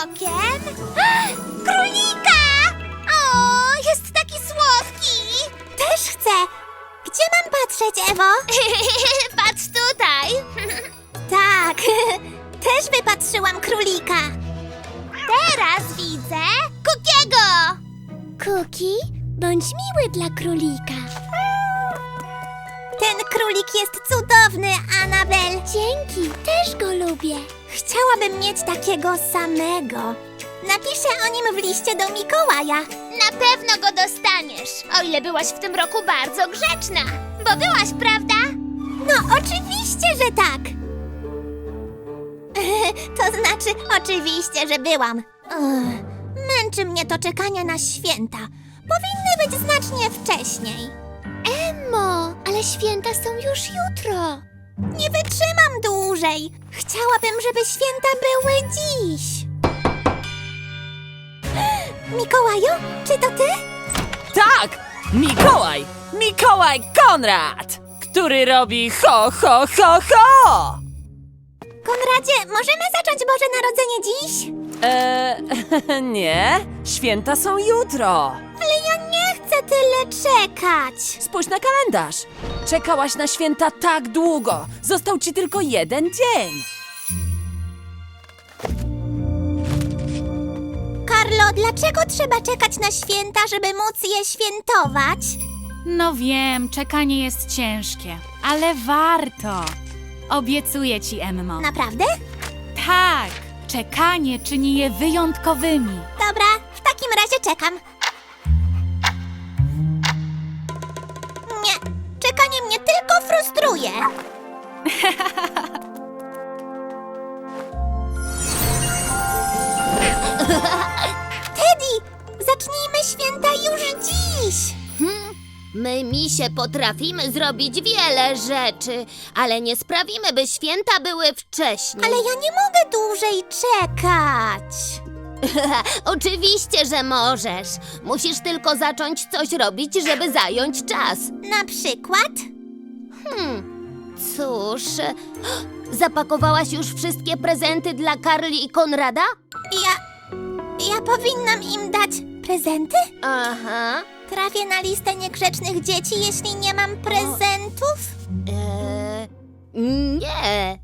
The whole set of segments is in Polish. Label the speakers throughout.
Speaker 1: okiem. Królika! O, jest taki słodki. Też chcę. Gdzie mam patrzeć, Ewo? Patrz tutaj. Tak, też wypatrzyłam królika. Teraz widzę Kukiego. Kuki, bądź miły dla królika. Ten królik jest cudowny, Anabel. Dzięki, też go lubię. Chciałabym mieć takiego samego. Napiszę o nim w liście do Mikołaja. Na pewno go dostaniesz, o ile byłaś w tym roku bardzo grzeczna. Bo byłaś, prawda? No, oczywiście, że tak. To znaczy, oczywiście, że byłam. Męczy mnie to czekanie na święta. Powinny być znacznie wcześniej. Emmo, ale święta są już jutro. Nie wytrzymam dłużej. Chciałabym, żeby święta były dziś. Mikołaju, czy to ty?
Speaker 2: Tak! Mikołaj! Mikołaj Konrad! Który robi ho, ho, ho, ho!
Speaker 1: Konradzie, możemy zacząć Boże Narodzenie dziś?
Speaker 2: Nie. Święta są jutro.
Speaker 1: Ale ja nie chcę tyle czekać.
Speaker 2: Spójrz na kalendarz. Czekałaś na święta tak długo. Został ci tylko jeden dzień.
Speaker 1: Karlo, dlaczego trzeba czekać na święta, żeby móc je świętować?
Speaker 3: No wiem, czekanie jest ciężkie, ale warto. Obiecuję ci, Emmo.
Speaker 1: Naprawdę?
Speaker 3: Tak, czekanie czyni je wyjątkowymi.
Speaker 1: Dobra, w takim razie czekam. Nie, czekanie mnie tylko frustruje. Teddy, zacznijmy święta już dziś.
Speaker 4: My, misie, potrafimy zrobić wiele rzeczy, ale nie sprawimy, by święta były wcześniej.
Speaker 1: Ale ja nie mogę dłużej czekać.
Speaker 4: Oczywiście, że możesz. Musisz tylko zacząć coś robić, żeby zająć czas.
Speaker 1: Na przykład?
Speaker 4: Cóż, zapakowałaś już wszystkie prezenty dla Karli i Konrada?
Speaker 1: Ja powinnam im dać prezenty?
Speaker 4: Aha.
Speaker 1: Trafię na listę niegrzecznych dzieci, jeśli nie mam prezentów?
Speaker 4: Nie.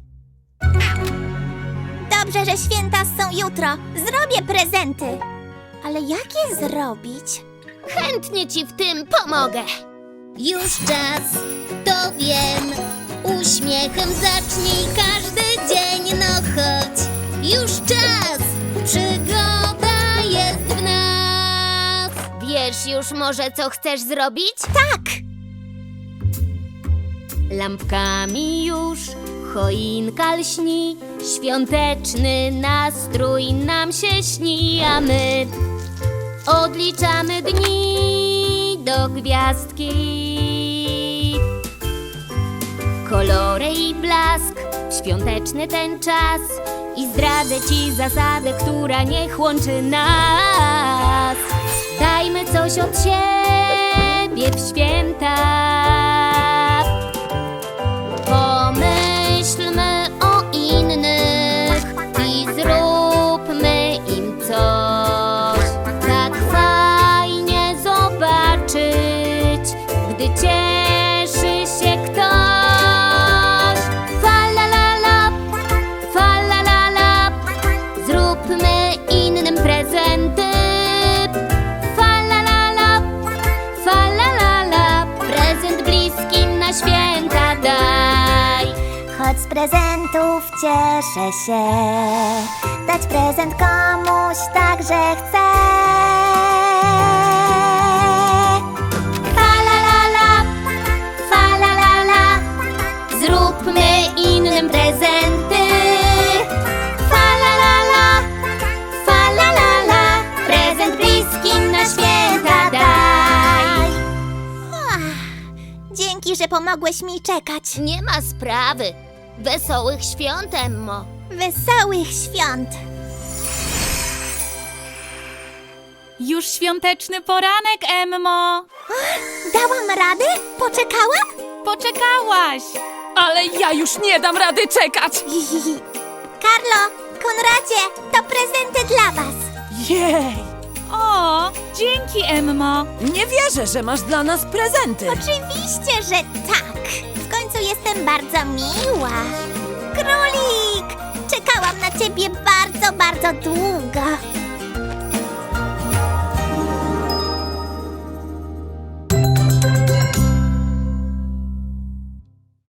Speaker 1: Dobrze, że święta są jutro. Zrobię prezenty. Ale jak je zrobić?
Speaker 4: Chętnie ci w tym pomogę. Już czas, to wiem. Uśmiechem zacznij każdy dzień, no chodź. Już czas, przygoda jest w nas. Wiesz już może, co chcesz zrobić?
Speaker 1: Tak!
Speaker 4: Lampkami już choinka lśni, świąteczny nastrój nam się śni, a my odliczamy dni do gwiazdki. Kolory i blask, świąteczny ten czas i zdradzę ci zasadę, która niech łączy nas. Dajmy coś od siebie w święta. Pomyślmy o innych i zróbmy im coś. Tak fajnie zobaczyć, gdy cieszy się ktoś. Falalala, falalala, zróbmy innym prezenty. Falalala, falalala, prezent bliskim na święta daj.
Speaker 1: Choć z prezentów cieszę się, dać prezent komuś także chcę. Falalala, falalala,
Speaker 4: Zróbmy innym prezenty.
Speaker 1: falalala, falalala,
Speaker 4: Prezent bliskim na święta daj.
Speaker 1: Dzięki, że pomogłeś mi czekać.
Speaker 4: Nie ma sprawy. Wesołych świąt, Emmo.
Speaker 1: Wesołych świąt!
Speaker 3: Już świąteczny poranek, Emmo.
Speaker 1: Dałam radę? Poczekałam?
Speaker 3: Poczekałaś.
Speaker 2: Ale ja już nie dam rady czekać.
Speaker 1: Karlo, Konradzie, to prezenty dla was.
Speaker 2: Jej!
Speaker 3: O, dzięki, Emmo.
Speaker 2: Nie wierzę, że masz dla nas prezenty.
Speaker 1: Oczywiście, że tak. W końcu jestem bardzo miła. Królik! Czekałam na ciebie bardzo, bardzo długo.